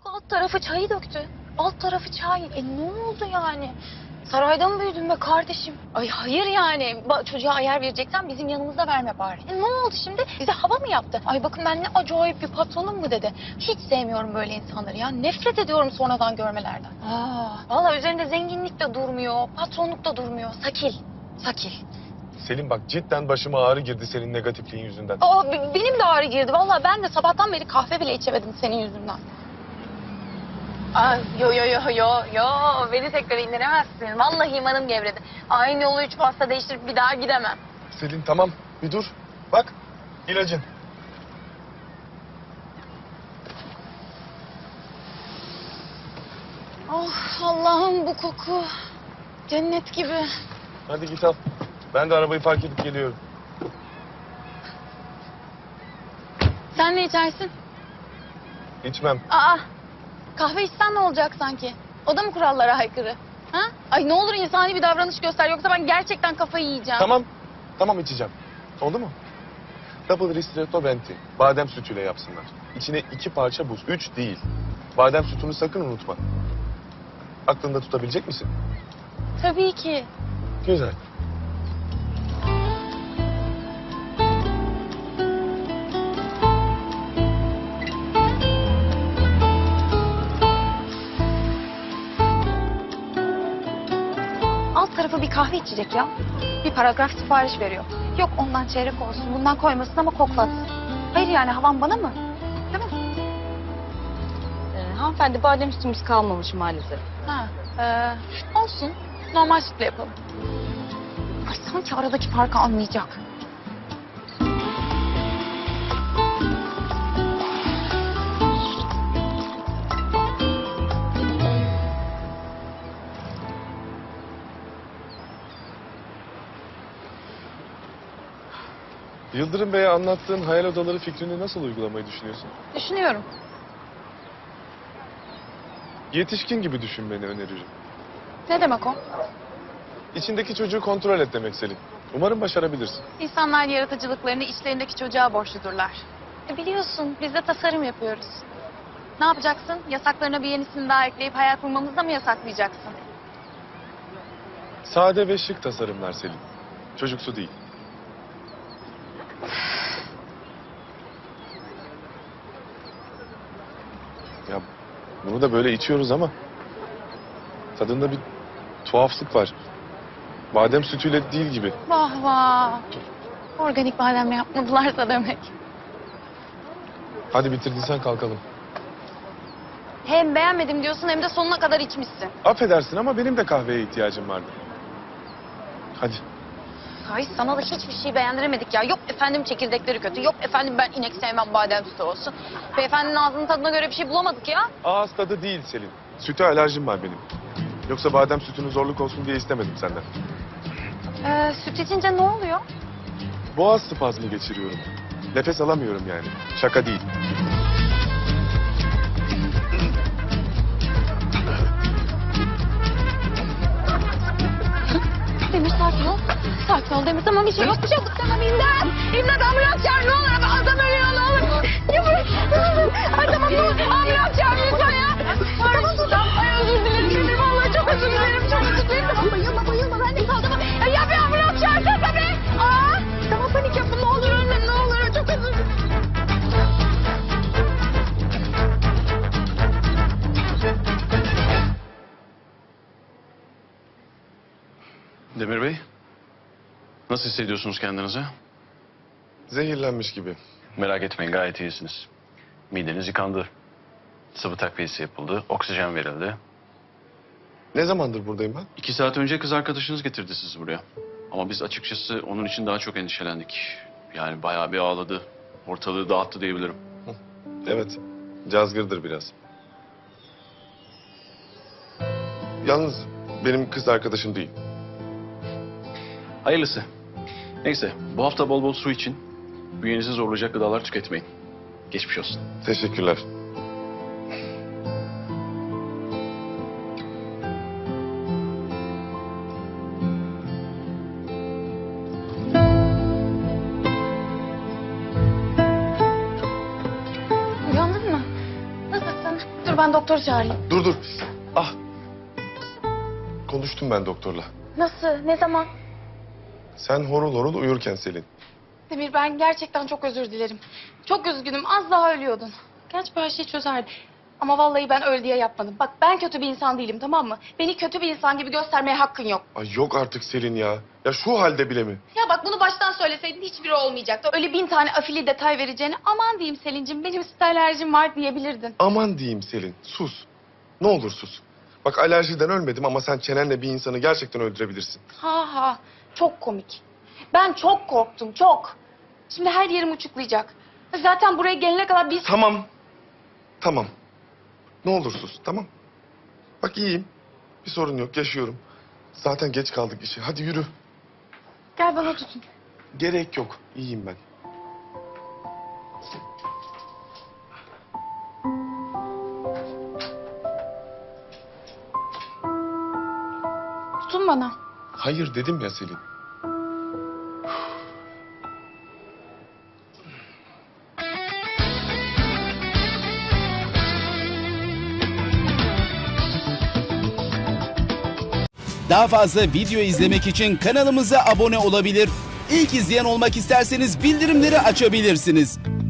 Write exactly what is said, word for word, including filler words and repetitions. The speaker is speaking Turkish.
Çocuk alt tarafı çayı döktü. Alt tarafı çay. E ne oldu yani? Sarayda mı büyüdün be kardeşim? Ay hayır yani. Ba- çocuğa ayar vereceksen bizim yanımızda verme bari. E ne oldu şimdi? Bize hava mı yaptı? Ay bakın ben ne acayip bir patronum mu dedi. Hiç sevmiyorum böyle insanları ya. Nefret ediyorum sonradan görmelerden. Aa, vallahi üzerinde zenginlik de durmuyor. Patronluk da durmuyor. Sakil. Sakil. Selin bak cidden başıma ağrı girdi senin negatifliğin yüzünden. Aa, b- benim de ağrı girdi. Vallahi ben de sabahtan beri kahve bile içemedim senin yüzünden. Ay, yo yo yo yo yo beni tekrar indiremezsin. Vallahi imanım gevredi. Aynı yolu üç pasta değiştirip bir daha gidemem. Selin tamam bir dur. Bak ilacın. Oh Allah'ım bu koku. Cennet gibi. Hadi git al. Ben de arabayı park edip geliyorum. Sen ne içersin? İçmem. Aa kahve içsen ne olacak sanki? O da mı kurallara aykırı? Ha? Ay ne olur insani bir davranış göster yoksa ben gerçekten kafayı yiyeceğim. Tamam. Tamam içeceğim. Oldu mu? Double ristretto venti. Badem sütüyle yapsınlar. İçine iki parça buz. Üç değil. Badem sütünü sakın unutma. Aklında tutabilecek misin? Tabii ki. Güzel. Alt tarafı bir kahve içecek ya. Bir paragraf sipariş veriyor. Yok ondan çeyrek olsun, bundan koymasın ama koklatsın. Hayır yani havan bana mı? Değil mi? Ee, hanımefendi badem sütümüz kalmamış maalesef. Ha, ee, olsun. Normal sütle yapalım. Ay sanki aradaki farkı anlayacak. Yıldırım Bey'e anlattığın hayal odaları fikrini nasıl uygulamayı düşünüyorsun? Düşünüyorum. Yetişkin gibi düşünmeni öneririm. Ne demek o? İçindeki çocuğu kontrol et demek Selin. Umarım başarabilirsin. İnsanlar yaratıcılıklarını içlerindeki çocuğa borçludurlar. E biliyorsun biz de tasarım yapıyoruz. Ne yapacaksın? Yasaklarına bir yenisini daha ekleyip hayal kurmamızı da mı yasaklayacaksın? Sade ve şık tasarımlar Selin. Çocuksu değil. Ya bunu da böyle içiyoruz ama tadında bir tuhaflık var. Badem sütüyle değil gibi. Vah vah. Organik badem yapmadılarsa demek. Hadi bitirdiysen kalkalım. Hem beğenmedim diyorsun hem de sonuna kadar içmişsin. Affedersin ama benim de kahveye ihtiyacım vardı. Hadi. Ay sana da hiçbir şey beğendiremedik ya. Yok efendim çekirdekleri kötü. Yok efendim ben inek sevmem badem sütü olsun. Beyefendinin ağzının tadına göre bir şey bulamadık ya. Ağız tadı değil Selin. Süte alerjim var benim. Yoksa badem sütünün zorluk olsun diye istemedim senden. Ee, süt içince ne oluyor? Boğaz spazmı geçiriyorum. Nefes alamıyorum yani. Şaka değil. Demir sakin ol. Sakin ol Demir. Tamam bir şey yok. Bir şey yok. Tamam imdat. İmdat ambulans çağır ne olur. Adam ölüyor ne olur. Ya bırak. Ay tamam ne olur. Ambulans çağır lütfen ya. Tamam tamam. Ay özür dilerim. Dilerim. Vallahi çok özür dilerim. Çok özür dilerim. Tamam bayılma bayılma. Ben de kaldım. Ya, ya bir ambulans çağırsana tabii. Aa. Tamam panik yapma. Ne olur ölme ne olur. Çok özür dilerim. Demir Bey, nasıl hissediyorsunuz kendinizi? Zehirlenmiş gibi. Merak etmeyin, gayet iyisiniz. Mideniz yıkandı. Sıvı takviyesi yapıldı, oksijen verildi. Ne zamandır buradayım ben? İki saat önce kız arkadaşınız getirdi sizi buraya. Ama biz açıkçası onun için daha çok endişelendik. Yani bayağı bir ağladı, ortalığı dağıttı diyebilirim. Evet. Cazgırdır biraz. Yalnız benim kız arkadaşım değil. Hayırlısı. Neyse, bu hafta bol bol su için, bünyenizi zorlayacak gıdalar tüketmeyin. Geçmiş olsun. Teşekkürler. Uyandın mı? Nasılsın? Dur ben doktoru çağırayım. Dur dur. Ah. Konuştum ben doktorla. Nasıl? Ne zaman? Sen horul horul uyurken Selin. Demir ben gerçekten çok özür dilerim. Çok üzgünüm. Az daha ölüyordun. Gerçi bu her şeyi çözerdi. Ama vallahi ben öl diye yapmadım. Bak ben kötü bir insan değilim, tamam mı? Beni kötü bir insan gibi göstermeye hakkın yok. Ay yok artık Selin ya. Ya şu halde bile mi? Ya bak bunu baştan söyleseydin hiçbiri olmayacaktı. Öyle bin tane afili detay vereceğine aman diyeyim Selin'cim benim süt alerjim var diyebilirdin. Aman diyeyim Selin. Sus. Ne olur sus. Bak alerjiden ölmedim ama sen çenenle bir insanı gerçekten öldürebilirsin. Ha ha çok komik. Ben çok korktum çok. Şimdi her yerim uçuklayacak. Zaten buraya gelene kadar biz... Tamam. Tamam. Ne olur sus, tamam. Bak iyiyim. Bir sorun yok, yaşıyorum. Zaten geç kaldık işe. Hadi yürü. Gel bana tutun. Gerek yok. İyiyim ben. Tutun bana. Hayır dedim ya Selin. Daha fazla video izlemek için kanalımıza abone olabilir. İlk izleyen olmak isterseniz bildirimleri açabilirsiniz.